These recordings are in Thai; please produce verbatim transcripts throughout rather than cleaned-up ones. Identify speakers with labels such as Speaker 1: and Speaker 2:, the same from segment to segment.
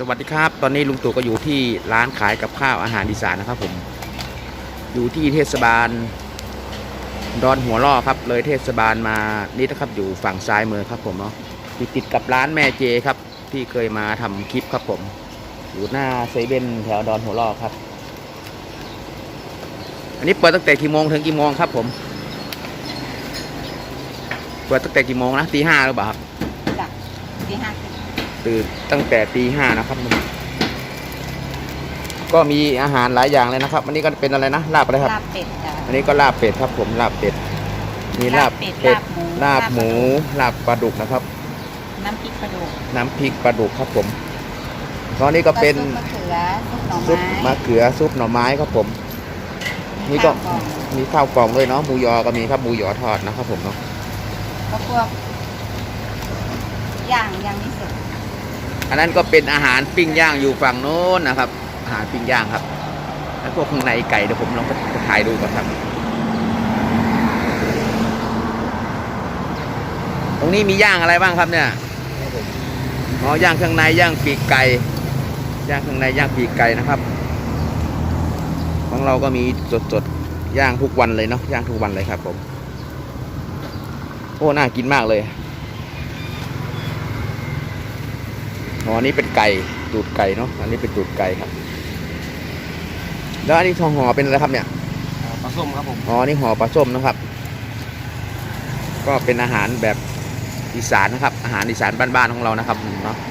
Speaker 1: สวัสดีครับตอนนี้ลุงตู่ก็อยู่ที่ร้านขายกับข้าวอาหารอีสานนะครับผมอยู่ที่เทศบาลดอนหัวล่อครับเลยเทศบาลมานี่นะครับอยู่ฝั่งซ้ายมือครับผมเนาะติดติดกับร้านแม่เจครับที่เคยมาทำคลิปครับผมอยู่หน้าเซเว่นแถวดอนหัวล่อครับอันนี้เปิดตั้งแต่กี่โมงถึงกี่โมงครับผมเปิดตั้งแต่กี่โมงนะตีห้าหรือเปล่าครับ
Speaker 2: จ้ะตีห้า
Speaker 1: ตื่นตั้งแต่ตีห้านะครับก็มีอาหารหลายอย่างเลยนะครับอันนี้ก็เป็นอะไรนะลาบอะไรครับ
Speaker 2: ลาบเป็ดจ้ะ
Speaker 1: อันนี้ก็ลาบเป็ดครับผมลาบเป็ดมีลาบเป็ดลาบหมูลาบปลาดุกนะครับ
Speaker 2: น้ำพริกปลาดุก
Speaker 1: น้ำพริกปลาดุกครับผมตอนนี้ก็เป็น
Speaker 2: ซุปมะเขือซุปหน่อไม้
Speaker 1: ซุปมะเขือซุปหน่อไม้ครับผมนี่ก็มีข้าวกล่องด้วยเนาะหมูยอก็มีครับหมูยอทอดนะครับผมเนาะ
Speaker 2: ก็พวกย่างย่างนี่สุด
Speaker 1: อันนั้นก็เป็นอาหารปิ้งย่างอยู่ฝั่งโน้นนะครับอาหารปิ้งย่างครับแล้วพวกข้างในไก่เดี๋ยวผมลองไปถ่ายดูก่อนครับตรงนี้มีย่างอะไรบ้างครับเนี่ยอ๋อย่างข้างในย่างปีกไก่ย่างข้างในย่างปีกไก่นะครับของเราก็มีสดๆย่างทุกวันเลยเนาะย่างทุกวันเลยครับผมโอ้น่ากินมากเลยอ๋ออันนี้เป็นไก่ตูดไก่เนาะอันนี้เป็นตูดไก่ครับแล้วอันนี้ทองห่อเป็นอะไรครับเนี่ย
Speaker 3: ปลาส้มครับผม
Speaker 1: อ๋อนี่ห่อปลาส้มนะครับก็เป็นอาหารแบบอีสานนะครับอาหารอีสานบ้านๆของเรานะครับเนาะ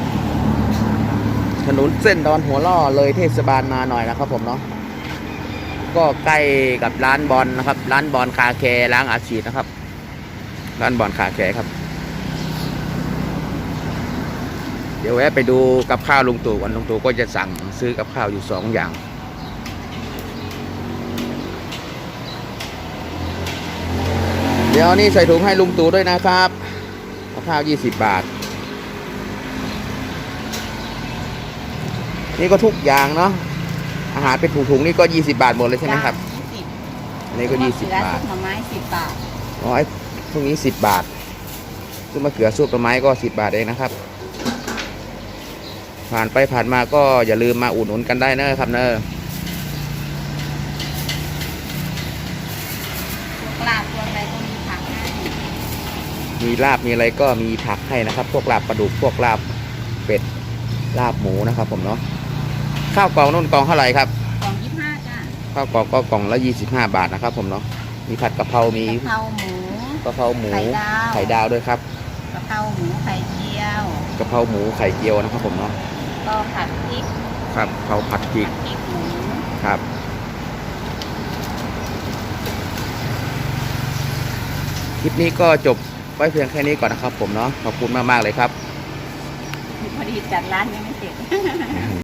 Speaker 1: ถนนเส้นดอนหัวล่อเลยเทศบาลมาหน่อยนะครับผมเนาะก็ใกล้กับร้านบอลนะครับร้านบอลคาแคร์ล้างอาชีพนะครับร้านบอลคาแคร์ครับเดี๋ยวแวะไปดูกับข้าวลุงตู่วันลุงตู่ก็จะสั่งซื้อกับข้าวอยู่สองอย่างเดี๋ยวนี้ใส่ถุงให้ลุงตู่ด้วยนะครับกับข้าวยี่สิบบาทนี่ก็ทุกอย่างเนาะอาหารเป็นถุงๆนี่ก็ยี่สิบบาทหมดเลยใช่ไหมครับอันนี้ก็ยี่สิบบาท
Speaker 2: หน่อไม้สิบบาท
Speaker 1: อ๋อไอ้พวกนี้สิบบาทซุปมะเขือซุปหน่อไม้ก็สิบบาทเองนะครับผ่านไปผ่านมาก็อย่าลืมมาอุดหนุนกันได้นะครับเนอะ
Speaker 2: ลาบพวกอะไรก็มีผักให้
Speaker 1: มีลาบมีอะไรก็มีผักให้นะครับพวกลาบปลาดุกพวกลาบเป็ดลาบหมูนะครับผมเนาะข้าวกล่องนุ่นกล่องเท่าไหร่ครับ
Speaker 2: กล่องยี่สิบห้าจ้ะ
Speaker 1: ข้าวกล่องก็กล่องละยี่สิบห้าบาทนะครับผมเนาะมีผัดกะเพรามี
Speaker 2: กะเพราหมู
Speaker 1: กะเพราหมูไข่ดาวด้วยครับ
Speaker 2: กะเพราหมูไข่เจียว
Speaker 1: กะเพราหมูไข่เจียวนะครับผมเนาะ
Speaker 2: ก็ผัดพริก
Speaker 1: ครับเขาผัดพริก
Speaker 2: หมู
Speaker 1: ครับคลิปนี้ก็จบไว้เพียงแค่นี้ก่อนนะครับผมเนาะขอบคุณมากๆเลยครับ
Speaker 2: พอดีจัดร้านยังไม่เสร็จ